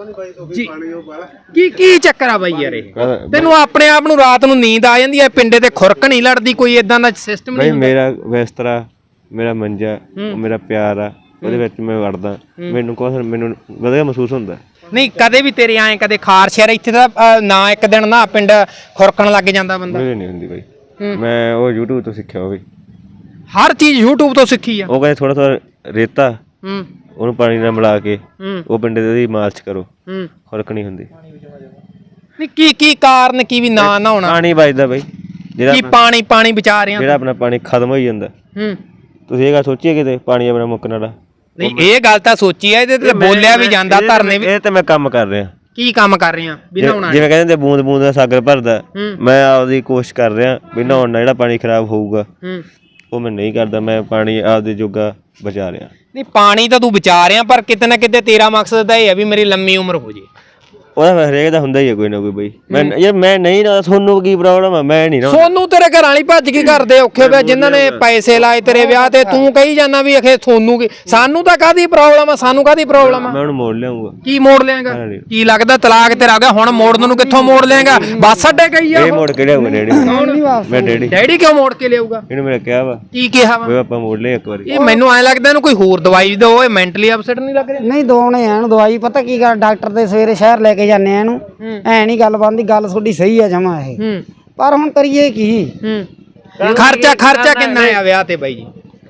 ਕੀ ਚੱਕਰ ਆ ਬਾਈ ਯਾਰ ਇਹ? ਤੈਨੂੰ ਆਪਣੇ ਆਪ ਨੂੰ ਰਾਤ ਨੂੰ ਨੀਂਦ ਆ ਜਾਂਦੀ ਹੈ, ਪਿੰਡੇ ਤੇ ਖੁਰਕ ਨਹੀਂ ਲੜਦੀ, ਕੋਈ ਇਦਾਂ ਦਾ ਸਿਸਟਮ ਨਹੀਂ? ਮੇਰਾ ਬਿਸਤਰਾ, ਮੇਰਾ ਮੰਜਾ, ਮੇਰਾ ਪਿਆਰ ਆ, ਉਹਦੇ ਵਿੱਚ ਮੈਂ ਵੜਦਾ, ਮੈਨੂੰ ਵਧੀਆ ਮਹਿਸੂਸ ਹੁੰਦਾ। ਨਹੀਂ ਕਦੇ ਵੀ ਤੇਰੇ ਆਏ ਕਦੇ ਖਾਰਸ਼ ਯਾਰ ਇੱਥੇ ਤਾਂ ਨਾ ਇੱਕ ਦਿਨ ਨਾ ਪਿੰਡ ਖੁਰਕਣ ਲੱਗ ਜਾਂਦਾ ਬੰਦਾ? ਮੇਰੇ ਨਹੀਂ ਹੁੰਦੀ ਬਾਈ, ਮੈਂ ਉਹ YouTube ਤੋਂ ਸਿੱਖਿਆ। ਉਹ ਵੀ ਹਰ ਚੀਜ਼ YouTube ਤੋਂ ਸਿੱਖੀ ਆ। ਉਹ ਕਹਿੰਦੇ ਥੋੜਾ ਰੇਤਾ ਉਹਨੂੰ ਪਾਣੀ ਨਾਲ ਮਿਲਾ ਕੇ ਉਹ ਪਿੰਡੇ ਦੇ ਉਹਦੀ ਮਾਲਸ਼ ਕਰੋ, ਖੁਰਕ ਨਹੀਂ ਹੁੰਦੀ। ਨਹੀਂ ਕੀ ਕਾਰਨ ਕੀ ਵੀ ਨਾ ਨਹਾਉਣਾ? ਪਾਣੀ ਬਚਦਾ ਬਾਈ, ਜਿਹੜਾ ਪਾਣੀ ਬਚਾ ਰਹੇ ਆ, ਜਿਹੜਾ ਆਪਣਾ ਪਾਣੀ ਖਤਮ ਹੋਈ ਜਾਂਦਾ। ਤੁਸੀਂ ਇਹ ਗੱਲ ਸੋਚੀਏ ਕਿਤੇ ਪਾਣੀ ਆਪਣਾ ਮੁੱਕਣ ਵਾਲਾ? ਨਹੀਂ ਇਹ ਗੱਲ ਤਾਂ ਸੋਚੀ ਆ, ਇਹਦੇ ਤੇ ਬੋਲਿਆ ਵੀ ਜਾਂਦਾ, ਧਰਨੇ ਵੀ। ਇਹ ਤੇ ਮੈਂ ਕੰਮ ਕਰ ਰਿਹਾ। ਕੀ ਕੰਮ ਕਰ ਰਹੇ ਆ ਵੀ ਨਹਾਉਣਾ? ਜਿਵੇਂ ਕਹਿੰਦੇ ਬੂੰਦ ਬੂੰਦ ਦਾ ਸਾਗਰ ਭਰਦਾ, ਮੈਂ ਆਪਦੀ ਕੋਸ਼ਿਸ਼ ਕਰ ਰਿਹਾ ਵੀ ਨਹਾਉਣ ਨਾਲ ਜਿਹੜਾ ਪਾਣੀ ਖਰਾਬ ਹੋਊਗਾ ਉਹ ਮੈਂ ਨਹੀਂ ਕਰਦਾ, ਮੈਂ ਪਾਣੀ ਆਪਦੇ ਜੋਗਾ ਬਚਾ ਰਿਹਾ। ਨਹੀਂ ਪਾਣੀ ਤਾਂ ਤੂੰ ਬਚਾ ਰਿਹਾ, ਪਰ ਕਿਤੇ ਨਾ ਕਿਤੇ ਤੇਰਾ ਮਕਸਦ ਤਾਂ ਇਹ ਹੈ ਵੀ ਮੇਰੀ ਲੰਮੀ ਉਮਰ ਹੋ ਜੇ। ਉਹਦਾ ਹਰੇਕ ਦਾ ਹੁੰਦਾ ਹੀ ਹੈ ਕੋਈ ਨਾ ਕੋਈ ਬਈ। ਮੈਂ ਨਹੀਂ ਨਾ, ਤੁਹਾਨੂੰ ਕੀ ਪ੍ਰੋਬਲਮ ਆ? ਮੈਂ ਨਹੀਂ ਨਾ, ਸੋਨੂੰ ਤੇਰੇ ਘਰਾਂ ਵਾਲੀ ਭੱਜ ਕੇ ਕਰਦੇ ਔਖੇ ਪਿਆ ਜਿਨ੍ਹਾਂ ਨੇ ਪੈਸੇ ਲਾਏ ਤੇਰੇ ਵਿਆਹ ਤੇ, ਤੂੰ ਕਹੀ ਜਾਂਦਾ ਵੀ ਅਖੇ ਤੁਹਾਨੂੰ ਕੀ? ਸਾਨੂੰ ਤਾਂ ਕਾਹਦੀ ਪ੍ਰੋਬਲਮ ਆ, ਸਾਨੂੰ ਕਾਹਦੀ ਪ੍ਰੋਬਲਮ ਆ? ਮੈਂ ਉਹਨੂੰ ਮੋੜ ਲਿਆਉਂਗਾ। ਕੀ ਮੋੜ ਲਿਆਂਗਾ? ਕੀ ਲੱਗਦਾ ਤਲਾਕ ਤੇਰਾ ਆ ਗਿਆ ਹੁਣ ਮੋੜਨ ਨੂੰ? ਕਿੱਥੋਂ ਮੋੜ ਲਿਆਂਗਾ? ਬੱਸ ਅੱਡੇ ਗਈ ਆ ਇਹ ਮੋੜ ਕੇ ਲਿਆਉਂਗਾ ਡੈਡੀ। ਮੈਂ ਡੈਡੀ ਕਿਉਂ ਮੋੜ ਕੇ ਲਿਆਊਗਾ? ਇਹਨੂੰ ਮੈਂ ਕਿਹਾ ਵਾ। ਕੀ ਕਿਹਾ ਵਾ? ਆਪਾਂ ਮੋੜ ਲਿਆ ਇੱਕ ਵਾਰੀ। ਇਹ ਮੈਨੂੰ ਐ ਲੱਗਦਾ ਇਹਨੂੰ ਕੋਈ ਹੋਰ ਦਵਾਈ ਦਿਓ, ਇਹ ਮੈਂਟਲੀ ਅਪਸੈਟ ਨਹੀਂ ਲੱਗ ਰਿਹਾ? ਨਹੀਂ ਦੋਣੇ ਇਹਨੂੰ ਦਵਾਈ। ਪਤਾ ਕੀ ਗੱਲ, ਡਾਕਟਰ ਦੇ ਸਵੇਰੇ ਸ਼ਹਿਰ ਲੈ ਕੇ ਜਾਂਦੇ ਆ ਇਹਨੂੰ, ਐ ਨਹੀਂ ਗੱਲ ਬਣਦੀ। ਗੱਲ ਤੁਹਾਡੀ ਸਹੀ ਆ ਜਮਾ ਇਹ, ਪਰ ਹੁਣ ਕਰੀਏ ਕੀ? ਖਰਚਾ ਕਿੰਨਾ ਆ ਵਿਆਹ ਤੇ ਬਾਈ ਜੀ?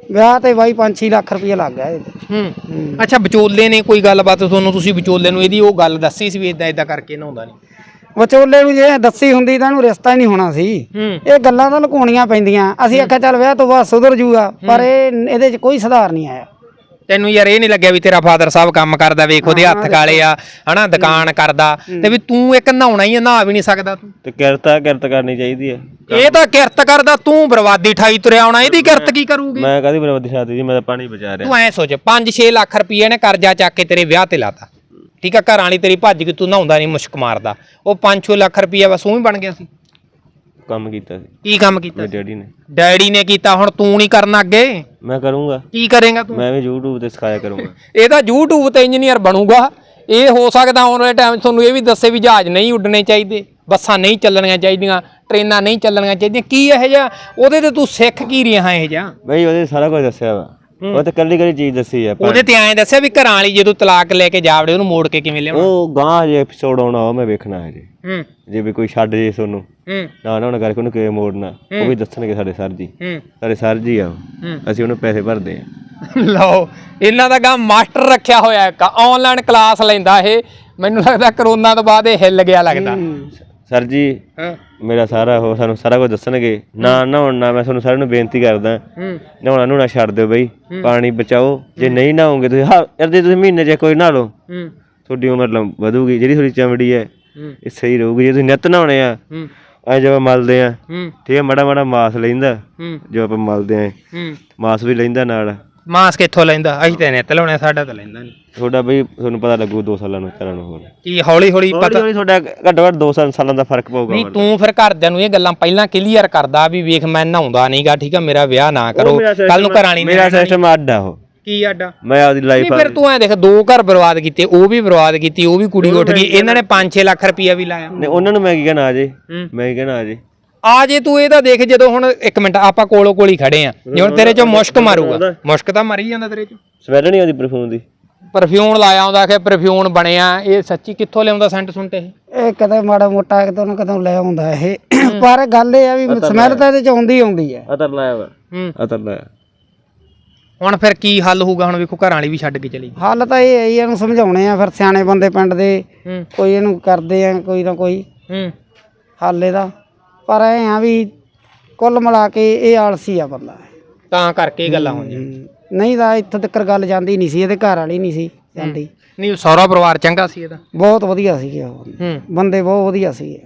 ਵਿਆਹ ਤੇ ਬਾਈ 5-6 ਲੱਖ ਰੁਪਏ ਲੱਗ ਗਿਆ ਇਹਦੇ। ਅੱਛਾ ਵਿਚੋਲੇ ਨੇ ਕੋਈ ਗੱਲਬਾਤ ਤੁਹਾਨੂੰ, ਤੁਸੀਂ ਵਿਚੋਲੇ ਨੂੰ ਇਹਦੀ ਉਹ ਗੱਲ ਦੱਸੀ ਸੀ ਵੀ ਇਦਾਂ ਇਦਾਂ ਕਰਕੇ ਨਹਾਉਂਦਾ ਨਹੀਂ? ਵਿਚੋਲੇ ਨੂੰ ਜੇ ਦੱਸੀ ਹੁੰਦੀ ਤਾਂ ਇਹਨੂੰ ਰਿਸ਼ਤਾ ਹੀ ਨਹੀਂ ਹੋਣਾ ਸੀ। ਇਹ ਗੱਲਾਂ ਤਾਂ ਲੁਕਾਉਣੀਆਂ ਪੈਂਦੀਆਂ। ਅਸੀਂ ਆਖਿਆ ਚੱਲ ਵਿਆਹ ਤੋਂ ਬਾਅਦ ਸੁਧਰ ਜੂਗਾ, ਪਰ ਇਹਦੇ 'ਚ ਕੋਈ ਸੁਧਾਰ ਨਹੀਂ ਆਇਆ। ਤੈਨੂੰ ਯਾਰ ਇਹ ਨਹੀਂ ਲੱਗਿਆ ਵੀ ਤੇਰਾ ਫਾਦਰ ਸਾਹਿਬ ਕੰਮ ਕਰਦਾ, ਵੇਖ ਉਹਦੇ ਹੱਥ ਕਾਲੇ ਆ ਹਨਾ, ਦੁਕਾਨ ਕਰਦਾ, ਤੇ ਵੀ ਤੂੰ ਇੱਕ ਨਹਾਉਣਾ ਹੀ ਆ, ਨਹਾ ਵੀ ਨਹੀਂ ਸਕਦਾ ਤੂੰ? ਤੇ ਕਿਰਤ ਕਰਨੀ ਚਾਹੀਦੀ ਹੈ। ਇਹ ਤਾਂ ਕਿਰਤ ਕਰਦਾ, ਤੂੰ ਬਰਬਾਦੀ ਠਾਈ ਤੁਰਿਆ ਆਉਣਾ, ਇਹਦੀ ਕਿਰਤ ਕੀ ਕਰੂਗੀ? ਮੈਂ ਕਾਹਦੀ ਬਰਬਾਦੀ ਛਾਤੀ ਜੀ, ਮੈਂ ਤਾਂ ਪਾਣੀ ਬਚਾ ਰਿਹਾ। ਤੂੰ ਐ ਸੋਚ 5-6 ਲੱਖ ਰੁਪਏ ਨੇ ਕਰਜ਼ਾ ਚੱਕ ਕੇ ਤੇਰੇ ਵਿਆਹ ਤੇ ਲਾਤਾ, ਠੀਕ ਆ, ਘਰਾਂ ਵਾਲੀ ਤੇਰੀ ਭੱਜ ਕੇ ਤੂੰ ਨਹਾਉਂਦਾ ਨਹੀਂ, ਮੁਸ਼ਕ ਮਾਰਦਾ, ਉਹ 5-6 ਲੱਖ ਰੁਪਏ ਬਸ ਉਹੀ ਬਣ ਗਿਆ ਸੀ। ਕੰਮ ਕੀਤਾ ਸੀ। ਕੀ ਕੰਮ ਕੀਤਾ? ਮੇਰੇ ਡੈਡੀ ਨੇ। ਡੈਡੀ ਨੇ ਕੀਤਾ, ਹੁਣ ਤੂੰ ਨਹੀਂ ਕਰਨਾ ਅੱਗੇ? ਮੈਂ ਕਰੂੰਗਾ। ਕੀ ਕਰੇਗਾ ਤੂੰ? ਮੈਂ ਵੀ YouTube ਤੇ ਸਿਖਾਇਆ ਕਰੂੰਗਾ। ਇਹ ਤਾਂ YouTube ਤੇ ਇੰਜੀਨੀਅਰ ਬਣੂਗਾ। ਇਹ ਹੋ ਸਕਦਾ ਆਉਣ ਵਾਲੇ ਟਾਈਮ ਤੁਹਾਨੂੰ ਇਹ ਵੀ ਦੱਸੇ ਵੀ ਜਹਾਜ਼ ਨਹੀਂ ਉੱਡਣੇ ਚਾਹੀਦੇ, ਬੱਸਾਂ ਨਹੀਂ ਚੱਲਣੀਆਂ ਚਾਹੀਦੀਆਂ, ਟ੍ਰੇਨਾਂ ਨਹੀਂ ਚੱਲਣੀਆਂ ਚਾਹੀਦੀਆਂ। ਕੀ ਇਹੋ ਜਿਹਾ ਉਹਦੇ ਤੇ ਤੂੰ ਸਿੱਖ ਕੀ ਰਿਹਾ ਇਹੋ ਜਿਹਾ? ਬਈ ਉਹਦੇ ਸਾਰਾ ਕੁਝ ਦੱਸਿਆ ਵਾ, ਉਹ ਤੇ ਕੱਲੀ ਚੀਜ਼ ਦੱਸੀ ਆ। ਉਹਦੇ ਤੇ ਐਂ ਦੱਸਿਆ ਵੀ ਘਰਾਂ ਵਾਲੀ ਜਦੋਂ ਤਲਾਕ ਲੈ ਕੇ ਜਾਵੜੇ ਉਹਨੂੰ ਮੋੜ ਕੇ ਕਿਵੇਂ ਲਿਆਉਣਾ? ਉਹ ਗਾਂ ਜੇ ਐਪੀਸੋਡ ਆਉਣਾ ਉਹ ਮੈਂ ਵੇਖਣਾ ਹੈ ਜੀ। ਜੇ ਵੀ ਕੋਈ ਛੱਡ ਜੇ ਤੁਹਾਨੂੰ ਨਾ ਨਾ ਕਰਕੇ ਉਹਨੂੰ ਕਿਵੇਂ ਮੋੜਨਾ ਉਹ ਵੀ ਦੱਸਣਗੇ ਸਾਡੇ ਸਰ ਜੀ। ਸਾਡੇ ਸਰ ਜੀ ਆ, ਅਸੀਂ ਉਹਨੂੰ ਪੈਸੇ ਭਰਦੇ ਆ। ਲਓ, ਇਹਨਾਂ ਦਾ ਗਾ ਮਾਸਟਰ ਰੱਖਿਆ ਹੋਇਆ ਇੱਕ, ਆਨਲਾਈਨ ਕਲਾਸ ਲੈਂਦਾ ਇਹ। ਮੈਨੂੰ ਲੱਗਦਾ ਕਰੋਨਾ ਤੋਂ ਬਾਅਦ ਇਹ ਹਿੱਲ ਗਿਆ ਲੱਗਦਾ। ਸਰ ਜੀ ਮੇਰਾ ਸਾਰਾ ਉਹ ਸਾਨੂੰ ਸਾਰਾ ਕੁਝ ਦੱਸਣਗੇ। ਨਾ ਨਹਾਉਣ ਨਾ ਮੈਂ ਤੁਹਾਨੂੰ ਸਾਰਿਆਂ ਨੂੰ ਬੇਨਤੀ ਕਰਦਾ, ਨਹਾਉਣਾ ਨੂੰ ਨਾ ਛੱਡ ਦਿਓ ਬਈ, ਪਾਣੀ ਬਚਾਓ। ਜੇ ਨਹੀਂ ਨਹਾਓਗੇ ਤੁਸੀਂ ਯਾਰ, ਜੇ ਤੁਸੀਂ ਮਹੀਨੇ 'ਚ ਕੋਈ ਨਹਾ ਲਓ ਤੁਹਾਡੀ ਉਮਰ ਵਧੂਗੀ, ਜਿਹੜੀ ਤੁਹਾਡੀ ਚਮੜੀ ਹੈ ਇਹ ਸਹੀ ਰਹੂਗੀ। ਜੇ ਤੁਸੀਂ ਨਿੱਤ ਨਹਾਉਣੇ ਆ ਐ ਜਦੋਂ ਮਲਦੇ ਆ, ਠੀਕ ਹੈ, ਮਾੜਾ ਮਾੜਾ ਮਾਸ ਲੈਂਦਾ ਜੋ ਆਪਾਂ ਮਲਦੇ ਆ, ਮਾਸ ਵੀ ਲੈਂਦਾ ਨਾਲ। ਮਾਸ ਕਿੱਥੋਂ ਲੈਂਦਾ? ਅਸੀਂ ਤਾਂ ਨਿੱਤ ਲਾਉਣੇ, ਸਾਡਾ ਤਾਂ ਲੈਂਦਾ ਨਹੀਂ। ਤੁਹਾਡਾ ਬਈ ਤੁਹਾਨੂੰ ਪਤਾ ਲੱਗੂ 2 ਸਾਲਾਂ ਨੂੰ ਚੱਲਣ ਨੂੰ। ਹੋਰ ਕੀ ਹੌਲੀ ਹੌਲੀ ਪਤਾ? ਤੁਹਾਡਾ ਘੱਟੋ ਘੱਟ 2 ਸਾਲਾਂ ਦਾ ਫਰਕ ਪਊਗਾ। ਨਹੀਂ ਤੂੰ ਫਿਰ ਘਰਦਿਆਂ ਨੂੰ ਇਹ ਗੱਲਾਂ ਪਹਿਲਾਂ ਕਲੀਅਰ ਕਰਦਾ ਵੀ ਵੇਖ ਮੈਂ ਨਹਾਉਂਦਾ ਨਹੀਂਗਾ, ਠੀਕ ਆ, ਮੇਰਾ ਵਿਆਹ ਨਾ ਕਰੋ, ਕੱਲ ਨੂੰ ਘਰਾਣੀ ਮੇਰਾ ਸਿਸਟਮ ਅੱਡ ਆ। ਉਹ ਕੀ ਆਡਾ? ਮੈਂ ਆਪਦੀ ਲਾਈਫ ਫਿਰ ਤੂੰ ਐ ਦੇਖ, 2 ਘਰ ਬਰਬਾਦ ਕੀਤੇ, ਉਹ ਵੀ ਬਰਬਾਦ ਕੀਤੀ, ਉਹ ਵੀ ਕੁੜੀ ਉੱਠ ਗਈ, ਇਹਨਾਂ ਨੇ 5-6 ਲੱਖ ਰੁਪਇਆ ਵੀ ਲਾਇਆ। ਉਹਨਾਂ ਨੂੰ ਮੈਂ ਕੀ ਕਹਿਣਾ, ਆ ਜੇ ਮੈਂ ਕੀ ਕਹਿਣਾ, ਆ ਜੇ ਤੂੰ ਇਹਦਾ ਦੇਖ, ਜਦੋਂ ਹੁਣ ਇੱਕ ਮਿੰਟ ਆਪਾਂ ਕੋਲੋਂ ਕੋਲ ਹੀ ਖੜੇ ਆ, ਜੇ ਹੁਣ ਤੇਰੇ ਚੋਂ ਮੁਸ਼ਕ ਮਾਰੂਗਾ, ਮੁਸ਼ਕ ਤਾਂ ਮਰ ਹੀ ਜਾਂਦਾ ਤੇਰੇ ਚੋਂ। ਸਮੈਲ ਨਹੀਂ ਆਉਂਦੀ ਪਰਫਿਊਮ ਦੀ? ਪਰਫਿਊਮ ਲਾਇਆ ਆਉਂਦਾ ਕਿ ਪਰਫਿਊਮ ਬਣਿਆ, ਇਹ ਸੱਚੀ ਕਿੱਥੋਂ ਲਿਆਉਂਦਾ ਸੈਂਟ ਸੁੰਟ ਇਹ ਕਦੇ ਮਾੜਾ ਮੋਟਾ ਕਿਤੋਂ ਨਾ ਕਿਤੋਂ ਲੈ ਆਉਂਦਾ ਇਹ। ਪਰ ਗੱਲ ਇਹ ਆ ਵੀ ਸਮੈਲ ਤਾਂ ਇਹਦੇ 'ਚ ਆਉਂਦੀ ਹੈ। ਅਤਰ ਲਾਇਆ ਵਾ, ਅਤਰ ਲਾਇਆ। ਹੁਣ ਫਿਰ ਕੀ ਹੱਲ ਹੋਊਗਾ? ਹੁਣ ਵੇਖੋ ਘਰਾਂ ਵਾਲੀ ਵੀ ਛੱਡ ਕੇ ਚਲੀ ਗਈ। ਹੱਲ ਤਾਂ ਇਹ ਹੈ ਹੀ, ਇਹਨੂੰ ਸਮਝਾਉਣੇ ਆ, ਫਿਰ ਸਿਆਣੇ ਬੰਦੇ ਪਿੰਡ ਦੇ ਕੋਈ ਇਹਨੂੰ ਕਰਦੇ ਆ ਕੋਈ ਨਾ ਕੋਈ ਹੱਲ ਇਹਦਾ। ਪਰ ਐ ਆ ਵੀ ਕੁੱਲ ਮਿਲਾ ਕੇ ਇਹ ਆਲਸੀ ਆ ਬੰਦਾ, ਤਾਂ ਕਰਕੇ ਇਹ ਗੱਲਾਂ ਹੋਈਆਂ। ਨਹੀਂ ਤਾਂ ਇੱਥੋਂ ਤੱਕ ਗੱਲ ਜਾਂਦੀ ਨਹੀਂ ਸੀ, ਇਹਦੇ ਘਰ ਵਾਲੀ ਨਹੀਂ ਸੀ ਜਾਂਦੀ। ਨਹੀਂ ਸਹੁਰਾ ਪਰਿਵਾਰ ਚੰਗਾ ਸੀ ਇਹਦਾ? ਬਹੁਤ ਵਧੀਆ ਸੀਗੇ ਉਹ ਬੰਦੇ, ਬਹੁਤ ਵਧੀਆ ਸੀਗੇ।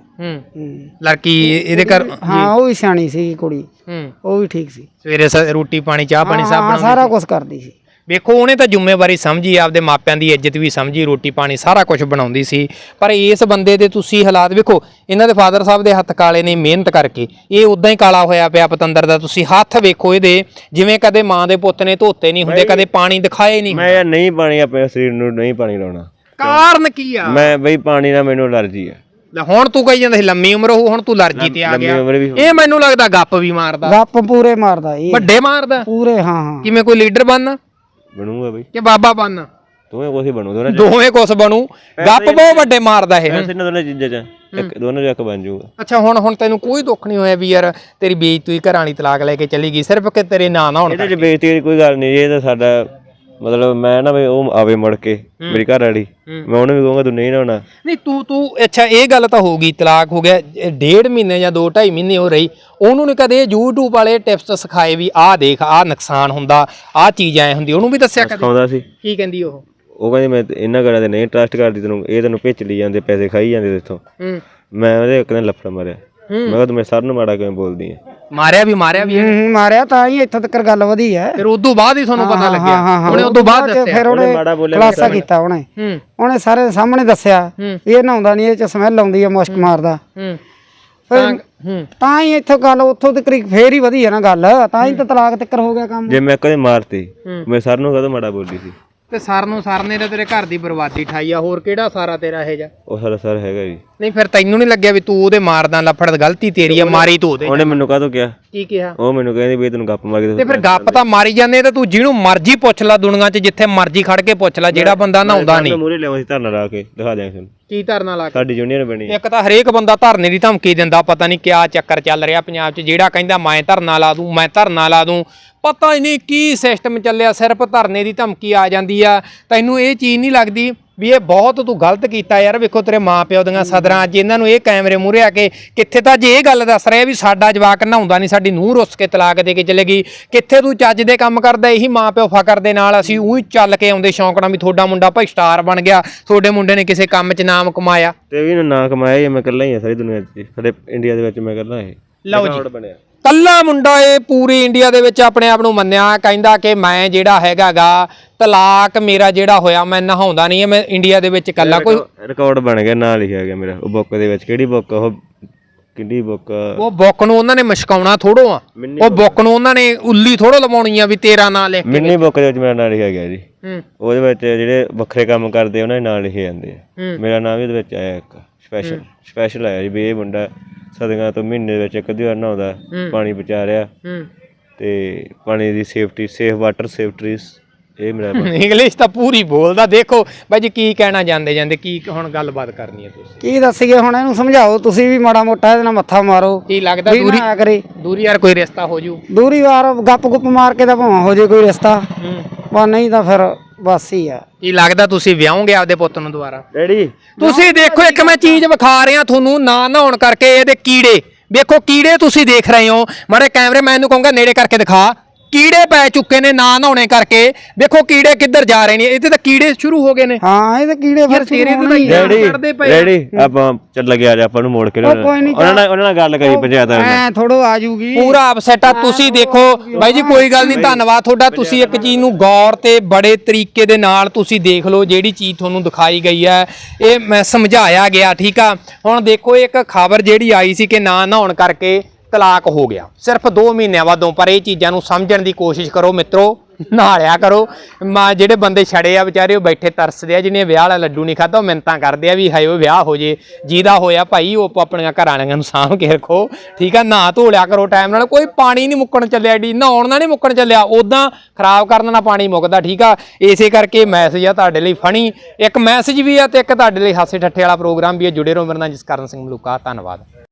ਲੜਕੀ ਇਹਦੇ ਘਰ? ਹਾਂ, ਉਹ ਵੀ ਸਿਆਣੀ ਸੀ ਕੁੜੀ, ਉਹ ਵੀ ਠੀਕ ਸੀ। ਸਵੇਰੇ ਰੋਟੀ ਪਾਣੀ ਚਾਹ ਪਾਣੀ ਸਭ ਬਣਾਉਂਦੀ, ਸਾਰਾ ਕੁਝ ਕਰਦੀ ਸੀ। ਵੇਖੋ ਉਹਨੇ ਤਾਂ ਜ਼ਿੰਮੇਵਾਰੀ ਸਮਝੀ, ਆਪਦੇ ਮਾਪਿਆਂ ਦੀ ਇੱਜ਼ਤ ਵੀ ਸਮਝੀ, ਰੋਟੀ ਪਾਣੀ ਸਾਰਾ ਕੁਝ ਬਣਾਉਂਦੀ ਸੀ। ਪਰ ਇਸ ਬੰਦੇ ਦੇ ਤੁਸੀਂ ਹਾਲਾਤ ਵੇਖੋ, ਇਹਨਾਂ ਦੇ ਫਾਦਰ ਸਾਹਿਬ ਦੇ ਹੱਥ ਕਾਲੇ ਨੇ ਮਿਹਨਤ ਕਰਕੇ, ਇਹ ਉਦਾਂ ਹੀ ਕਾਲਾ ਹੋਇਆ ਪਿਆ ਪਤੰਦਰ ਦਾ। ਤੁਸੀਂ ਹੱਥ ਵੇਖੋ ਇਹਦੇ, ਜਿਵੇਂ ਕਦੇ ਮਾਂ ਦੇ ਪੁੱਤ ਨੇ ਧੋਤੇ ਨਹੀਂ ਹੁੰਦੇ, ਕਦੇ ਪਾਣੀ ਦਿਖਾਏ ਨਹੀਂ। ਮੈਂ ਯਾਰ ਨਹੀਂ ਪਾਣੀ ਆਪਣੇ ਸਰੀਰ ਨੂੰ ਨਹੀਂ ਪਾਣੀ ਲਾਉਣਾ। ਕਾਰਨ ਕੀ ਆ? ਮੈਂ ਬਈ ਪਾਣੀ ਨਾਲ ਮੈਨੂੰ ਅਲਰਜੀ ਆ। ਹੁਣ ਤੂੰ ਕਹੀ ਜਾਂਦਾ ਸੀ ਲੰਮੀ ਉਮਰ ਹੋਊ, ਹੁਣ ਤੂੰ ਅਲਰਜੀ ਤੇ ਆ ਗਿਆ। ਇਹ ਮੈਨੂੰ ਲੱਗਦਾ ਗੱਪ ਵੀ ਮਾਰਦਾ, ਗੱਪ ਪੂਰੇ ਮਾਰਦਾ, ਇਹ ਵੱਡੇ ਮਾਰਦਾ ਪੂਰੇ। ਹਾਂ, ਕਿਵੇਂ ਕੋਈ ਲੀਡਰ ਬਣਨਾ ਬਣੂਗਾ ਬਈ ਕਿ ਬਾਬਾ ਬਣਨਾ? ਦੋਵੇਂ ਕੁਛ ਬਣੂ, ਦੋਵੇਂ ਕੁਛ ਬਣੂ। ਗੱਪ ਬਹੁਤ ਵੱਡੇ ਮਾਰਦਾ ਇਹ। ਦੋਨਾਂ ਚੀਜ਼ਾਂ ਚ ਦੋਨਾਂ ਚ ਇੱਕ ਬਣ ਜਾਊਗਾ। ਅੱਛਾ, ਹੁਣ ਤੈਨੂੰ ਕੋਈ ਦੁੱਖ ਨਹੀਂ ਹੋਇਆ ਵੀ ਯਾਰ ਤੇਰੀ ਬੇਇੱਜ਼ਤੀ ਘਰਾਂ ਵਾਲੀ ਤਲਾਕ ਲੈ ਕੇ ਚਲੀ ਗਈ ਸਿਰਫ ਕਿ ਤੇਰੇ ਨਾਂ ਨਾ ਹੋਣ? ਇਹਦੇ ਚ ਬੇਇੱਜ਼ਤੀ ਦੀ ਕੋਈ ਗੱਲ ਨਹੀਂ। ਇਹ ਤਾਂ ਸਾਡਾ ਮਤਲਬ ਮੈਂ ਨਾ ਵੀ ਉਹ ਆਵੇ ਮੁੜ ਕੇ ਮੇਰੀ ਘਰ ਵਾਲੀ, ਮੈਂ ਉਹਨੂੰ ਵੀ ਕਹੂੰਗਾ ਤੂੰ ਨਹੀਂ ਨਹਾਉਣਾ। ਨਹੀਂ ਤੂੰ ਅੱਛਾ, ਇਹ ਗੱਲ ਤਾਂ ਹੋ ਗਈ, ਤਲਾਕ ਹੋ ਗਿਆ, 1.5 ਮਹੀਨੇ ਜਾਂ 2-2.5 ਮਹੀਨੇ ਹੋ ਰਹੀ, ਉਹਨੂੰ ਨੀ ਕਦੇ YouTube ਵਾਲੇ ਟਿਪਸ ਸਿਖਾਏ ਵੀ ਆਹ ਦੇਖ ਆਹ ਨੁਕਸਾਨ ਹੁੰਦਾ, ਆਹ ਚੀਜ਼ ਐ ਹੁੰਦੀ? ਉਹਨੂੰ ਵੀ ਦੱਸਿਆ ਕਦੇ? ਸਿਖਾਉਂਦਾ ਸੀ। ਕੀ ਕਹਿੰਦੀ ਉਹ? ਉਹ ਕਹਿੰਦੀ ਮੈਂ ਇਹਨਾਂ ਗੱਲਾਂ ਤੇ ਨਹੀਂ ਟਰਸਟ ਕਰਦੀ, ਤੈਨੂੰ ਭੇਚ ਲਈ ਜਾਂਦੇ, ਪੈਸੇ ਖਾਈ ਜਾਂਦੇ ਇੱਥੋਂ। ਮੈਂ ਉਹਦੇ ਇੱਕ ਦਿਨ ਲੱਫੜ ਮਾਰਿਆ, ਮੈਂ ਕਿਹਾ ਤੂੰ ਮੇਰੇ ਸਰ ਨੂੰ ਮਾੜਾ ਕਿਵੇਂ ਬੋਲਦੀ ਐ? ਮਾਰਿਆ ਵੀ ਮਾਰਿਆ ਤਾਂ ਹੀ ਇੱਥੋਂ ਤੱਕ ਗੱਲ ਵਧੀ ਹੈ। ਫਿਰ ਉਦੋਂ ਬਾਅਦ ਹੀ ਤੁਹਾਨੂੰ ਪਤਾ ਲੱਗਿਆ? ਉਹਨੇ ਉਦੋਂ ਬਾਅਦ ਦੱਸਿਆ? ਫਿਰ ਉਹਨੇ ਖੁਲਾਸਾ ਕੀਤਾ, ਉਹਨੇ ਸਾਰੇ ਸਾਹਮਣੇ ਦੱਸਿਆ ਇਹ ਨਹਾਉਂਦਾ ਨਹੀਂ, ਇਹ ਚ ਸਮੈਲ ਆਉਂਦੀ ਹੈ, ਮੁਸ਼ਕ ਮਾਰਦਾ। ਤਾਂ ਹੀ ਇੱਥੋਂ ਗੱਲ ਉੱਥੋਂ ਤੱਕ ਫੇਰ ਹੀ ਵਧੀ ਹੈ ਨਾ ਗੱਲ, ਤਾਂ ਹੀ ਤਾਂ ਤਲਾਕ ਤੱਕ ਹੋ ਗਿਆ ਕੰਮ। ਜੇ ਮੈਂ ਕਦੇ ਮਾਰਤੀ ਮੈਂ ਸਰ ਨੂੰ ਕਦੋਂ ਮਾੜਾ ਬੋਲਦੀ ਸੀ? ਤੇ ਸਰ ਨੇ ਤਾਂ ਤੇਰੇ ਘਰ ਦੀ ਬਰਬਾਦੀ ਠਾਈ ਆ, ਹੋਰ ਕਿਹੜਾ ਸਾਰਾ ਤੇਰਾ ਇਹ ਜਾ? ਉਹ ਸਾਰਾ ਸਰ ਹੈਗਾ ਜੀ। ਨਹੀਂ ਫਿਰ ਤੈਨੂੰ ਨਹੀਂ ਲੱਗਿਆ ਵੀ ਤੂੰ ਉਹਦੇ ਮਾਰਦਾ? ਲੱਫੜ ਗਲਤੀ ਤੇਰੀ ਆ, ਮਾਰੀ ਤੂੰ ਉਹਦੇ। ਉਹਨੇ ਮੈਨੂੰ ਕਾਹਤੋਂ ਕਿਹਾ? ਕੀ ਕਿਹਾ? ਉਹ ਮੈਨੂੰ ਕਹਿੰਦੀ ਵੀ ਤੈਨੂੰ ਗੱਪ ਮਾਰ ਕੇ ਤੇ ਫਿਰ ਗੱਪ ਤਾਂ ਮਾਰੀ ਜਾਂਦੇ ਤੇ ਤੂੰ ਜਿਹਨੂੰ ਮਰਜ਼ੀ ਪੁੱਛ ਲੈ ਦੁਨੀਆ 'ਚ ਜਿੱਥੇ ਮਰਜ਼ੀ ਖੜ ਕੇ ਪੁੱਛ ਲੈ ਜਿਹੜਾ ਬੰਦਾ ਨਹਾਉਂਦਾ ਨਹੀਂ। ਮੂਹਰੇ ਲਿਆਵਾਂ ਸੀ ਧਰਨਾ ਲਾ ਕੇ ਦਿਖਾ ਦਿਆਂਗੇ ਤੁਹਾਨੂੰ ਕੀ ਧਰਨਾ ਲਾ ਕੇ? ਸਾਡੀ ਯੂਨੀਅਨ ਬਣੀ ਇੱਕ ਤਾਂ ਹਰੇਕ ਬੰਦਾ ਧਰਨੇ ਦੀ ਧਮਕੀ ਦਿੰਦਾ, ਪਤਾ ਨਹੀਂ ਕਿਆ ਚੱਕਰ ਚੱਲ ਰਿਹਾ ਪੰਜਾਬ 'ਚ, ਜਿਹੜਾ ਕਹਿੰਦਾ ਮੈਂ ਧਰਨਾ ਲਾ ਦੂੰ ਮੈਂ ਧਰਨਾ ਲਾ ਦੂੰ, ਪਤਾ ਹੀ ਨਹੀਂ ਕੀ ਸਿਸਟਮ ਚੱਲਿਆ, ਸਿਰਫ ਧਰਨੇ ਦੀ ਧਮਕੀ ਆ ਜਾਂਦੀ ਆ। ਤੈਨੂੰ ਇਹ ਚੀਜ਼ ਨਹੀਂ ਲੱਗਦੀ ਵੀ ਇਹ ਬਹੁਤ ਤੂੰ ਗਲਤ ਕੀਤਾ ਯਾਰ? ਵੇਖੋ ਤੇਰੇ ਮਾਂ ਪਿਓ ਦੀਆਂ ਸਦਰਾਂ ਅੱਜ ਇਹਨਾਂ ਨੂੰ ਇਹ ਕੈਮਰੇ ਮੂਹਰੇ ਆ ਕੇ ਕਿੱਥੇ ਤਾਂ ਜੇ ਇਹ ਗੱਲ ਦੱਸ ਰਿਹਾ ਵੀ ਸਾਡਾ ਜਵਾਕ ਨਹਾਉਂਦਾ ਨਹੀਂ, ਸਾਡੀ ਨੂੰਹ ਰੁੱਸ ਕੇ ਤਲਾਕ ਦੇ ਕੇ ਚਲੇ ਗਈ, ਕਿੱਥੇ ਤੂੰ ਚੱਜ ਦੇ ਕੰਮ ਕਰਦਾ? ਇਹੀ ਮਾਂ ਪਿਓ ਫਕਰ ਦੇ ਨਾਲ ਅਸੀਂ ਉਹੀ ਚੱਲ ਕੇ ਆਉਂਦੇ ਸ਼ੌਂਕ ਨਾਲ ਵੀ ਤੁਹਾਡਾ ਮੁੰਡਾ ਭਾਈ ਸਟਾਰ ਬਣ ਗਿਆ, ਤੁਹਾਡੇ ਮੁੰਡੇ ਨੇ ਕਿਸੇ ਕੰਮ 'ਚ ਨਾਮ ਕਮਾਇਆ। ਤੇ ਵੀ ਨਾ ਕਮਾਇਆ ਹੀ, ਮੈਂ ਇਕੱਲਾ ਹੀ ਆ ਸਾਰੀ ਦੁਨੀਆ 'ਚ, ਸਾਡੇ ਇੰਡੀਆ ਦੇ ਵਿੱਚ ਮੈਂ ਇਕੱਲਾ ਇਹ ਲਓ ਜੀ ਬਣਿਆ ਕੱਲਾ ਮੁੰਡਾ ਇਹ ਪੂਰੀ ਇੰਡੀਆ ਦੇ ਵਿੱਚ ਆਪਣੇ ਆਪ ਨੂੰ ਮੰਨਿਆ, ਕਹਿੰਦਾ ਕਿ ਮੈਂ ਜਿਹੜਾ ਹੈਗਾਗਾ ਤਲਾਕ ਮੇਰਾ ਜਿਹੜਾ ਹੋਇਆ ਮੈਂ ਨਹਾਉਂਦਾ ਨਹੀਂ, ਮੈਂ ਇੰਡੀਆ ਦੇ ਵਿੱਚ ਕੱਲਾ ਕੋਈ ਰਿਕਾਰਡ ਬਣ ਗਿਆ, ਨਾਂ ਲਿਖਿਆ ਗਿਆ ਮੇਰਾ ਉਹ ਬੁੱਕ ਦੇ ਵਿੱਚ। ਕਿਹੜੀ ਬੁੱਕ? ਉਹ ਕਿੰਨੀ ਬੁੱਕ? ਉਹ ਬੁੱਕ ਨੂੰ ਉਹਨਾਂ ਨੇ ਮਸ਼ਕਾਉਣਾ ਥੋੜੋ ਆ, ਉਹ ਬੁੱਕ ਨੂੰ ਉਹਨਾਂ ਨੇ ਉੱਲੀ ਥੋੜੋ ਲਵਾਉਣੀ ਆ ਵੀ ਤੇਰਾ ਨਾਂ ਲਿਖ ਕੇ। ਮਿੰਨੀ ਬੁੱਕ ਦੇ ਵਿੱਚ ਮੇਰਾ ਨਾਂ ਲਿਖਿਆ ਗਿਆ ਜੀ। ਉਹਦੇ ਵਿੱਚ ਜਿਹੜੇ ਵੱਖਰੇ ਕੰਮ ਕਰਦੇ ਉਹਨਾਂ ਦੇ ਨਾਂ ਲਿਖੇ ਜਾਂਦੇ ਆ, ਮੇਰਾ ਨਾਂ ਵੀ ਉਹਦੇ ਵਿੱਚ ਆਇਆ, ਇੱਕ ਸਪੈਸ਼ਲ ਆਇਆ ਜੀ ਵੀ ਇਹ ਮੁੰਡਾ ਸਦੀਆਂ ਤੋਂ ਮਹੀਨੇ ਦੇ ਵਿੱਚ ਇੱਕ ਅੱਧੀ ਵਾਰ ਨਹਾਉਂਦਾ, ਪਾਣੀ ਬਚਾ ਰਿਹਾ ਤੇ ਪਾਣੀ ਦੀ ਸੇਫਟੀ, ਸੇਫ ਵਾਟਰ ਸੇਫਟਰੀਜ਼, ਇਹ ਮੇਰਾ ਇੰਗਲਿਸ਼ ਤਾਂ ਪੂਰੀ ਬੋਲਦਾ। ਦੇਖੋ ਬਾਈ ਜੀ ਕੀ ਕਹਿਣਾ ਜਾਂਦੇ ਜਾਂਦੇ, ਕੀ ਹੁਣ ਗੱਲਬਾਤ ਕਰਨੀ ਹੈ ਤੁਸੀਂ? ਕੀ ਦੱਸੀਏ ਹੁਣ, ਇਹਨੂੰ ਸਮਝਾਓ ਤੁਸੀਂ ਵੀ ਮਾੜਾ ਮੋਟਾ ਇਹਦੇ ਨਾਲ ਮੱਥਾ ਮਾਰੋ। ਕੀ ਲੱਗਦਾ ਦੂਰੀ ਨਾ ਕਰੇ, ਦੂਰੀ ਯਾਰ ਕੋਈ ਰਿਸ਼ਤਾ ਹੋ ਜੂ? ਦੂਰੀ ਵਾਰ ਗੱਪ ਗੁੱਪ ਮਾਰ ਕੇ ਤਾਂ ਭਾਵੇਂ ਹੋ ਜੇ ਕੋਈ ਰਿਸ਼ਤਾ, ਪਰ ਨਹੀਂ ਤਾਂ ਫਿਰ ਬਸ ਹੀ ਆ। ਕੀ ਲੱਗਦਾ ਤੁਸੀਂ ਵਿਆਹੋਗੇ ਆਪਦੇ ਪੁੱਤ ਨੂੰ ਦੁਬਾਰਾ? ਡੈਡੀ ਤੁਸੀਂ ਦੇਖੋ ਇੱਕ ਮੈਂ ਚੀਜ਼ ਵਿਖਾ ਰਿਹਾ ਤੁਹਾਨੂੰ, ਨਾ ਨਹਾਉਣ ਕਰਕੇ ਇਹਦੇ ਕੀੜੇ ਵੇਖੋ, ਕੀੜੇ ਤੁਸੀਂ ਦੇਖ ਰਹੇ ਹੋ, ਮਾੜੇ ਕੈਮਰੇ ਮੈਨ ਨੂੰ ਕਹੂੰਗਾ ਨੇੜੇ ਕਰਕੇ ਦਿਖਾ, ਕੀੜੇ ਪੈ ਚੁੱਕੇ ਨੇ ਨਾ ਨਹਾਉਣੇ ਕਰਕੇ। ਵੇਖੋ ਕੀੜੇ ਕਿੱਧਰ ਜਾ ਰਹੇ ਨੇ, ਇਹਦੇ ਤਾਂ ਕੀੜੇ ਸ਼ੁਰੂ ਹੋ ਗਏ ਨੇ। ਹਾਂ ਇਹ ਤਾਂ ਕੀੜੇ ਫਿਰ ਤੇਰੇ ਤੋਂ ਤਾਂ ਡੈਡੀ ਆਪਾਂ ਚੱਲ ਗਿਆ, ਜਾ ਆਪਾਂ ਨੂੰ ਮੋੜ ਕੇ ਉਹਨਾਂ ਨਾਲ ਗੱਲ ਕਰੀ ਪੰਚਾਇਤ ਐ ਥੋੜੋ ਆ ਜੂਗੀ, ਪੂਰਾ ਅਪਸੈਟ ਆ। ਤੁਸੀਂ ਦੇਖੋ ਬਾਈ ਜੀ ਕੋਈ ਗੱਲ ਨਹੀਂ, ਧੰਨਵਾਦ ਤੁਹਾਡਾ, ਤੁਸੀਂ ਇੱਕ ਚੀਜ਼ ਨੂੰ ਗੌਰ ਤੇ ਬੜੇ ਤਰੀਕੇ ਦੇ ਨਾਲ ਤੁਸੀਂ ਦੇਖ ਲਓ, ਜਿਹੜੀ ਚੀਜ਼ ਤੁਹਾਨੂੰ ਦਿਖਾਈ ਗਈ ਹੈ ਇਹ ਮੈਂ ਸਮਝਾਇਆ ਗਿਆ, ਠੀਕ ਆ। ਹੁਣ ਦੇਖੋ ਇੱਕ ਖਬਰ ਜਿਹੜੀ ਆਈ ਸੀ ਕਿ ਨਾ ਨਹਾਉਣ ਕਰਕੇ ਤਲਾਕ ਹੋ ਗਿਆ ਸਿਰਫ 2 ਮਹੀਨਿਆਂ ਬਾਅਦੋਂ, ਪਰ ਇਹ ਚੀਜ਼ਾਂ ਨੂੰ ਸਮਝਣ ਦੀ ਕੋਸ਼ਿਸ਼ ਕਰੋ ਮਿੱਤਰੋ, ਨਹਾ ਲਿਆ ਕਰੋ। ਜਿਹੜੇ ਬੰਦੇ ਛੜੇ ਆ ਵਿਚਾਰੇ ਉਹ ਬੈਠੇ ਤਰਸਦੇ ਆ, ਜਿਹਨੇ ਵਿਆਹ ਵਾਲਾ ਲੱਡੂ ਨਹੀਂ ਖਾਧਾ ਉਹ ਮਿੰਨਤਾਂ ਕਰਦੇ ਆ ਵੀ ਹਾਏ ਉਹ ਵਿਆਹ ਹੋ ਜੇ, ਜਿਹਦਾ ਹੋਇਆ ਭਾਈ ਉਹ ਆਪਣੀਆਂ ਘਰਾਂ ਵਾਲਿਆਂ ਨੂੰ ਸਾਂਭ ਕੇ ਰੱਖੋ, ਠੀਕ ਆ। ਨਹਾ ਧੋ ਲਿਆ ਕਰੋ ਟਾਈਮ ਨਾਲ, ਕੋਈ ਪਾਣੀ ਨਹੀਂ ਮੁੱਕਣ ਚੱਲਿਆ, ਡੀ ਨਹਾਉਣ ਨਾਲ ਨਹੀਂ ਮੁੱਕਣ ਚੱਲਿਆ, ਉਦਾਂ ਖਰਾਬ ਕਰਨ ਨਾਲ ਪਾਣੀ ਮੁੱਕਦਾ, ਠੀਕ ਆ। ਇਸੇ ਕਰਕੇ ਮੈਸੇਜ ਆ ਤੁਹਾਡੇ ਲਈ ਫਨੀ, ਇੱਕ ਮੈਸੇਜ ਵੀ ਆ ਤੇ ਇੱਕ ਤੁਹਾਡੇ ਲਈ ਹਾਸੇ ਠੱਠੇ ਵਾਲਾ ਪ੍ਰੋਗਰਾਮ ਵੀ ਆ। ਜੁੜੇ ਰਹੋ ਮੇਰੇ ਨਾਲ, ਜਸਕਰਨ ਸਿੰਘ ਮਲੂਕਾ, ਧੰਨਵਾਦ।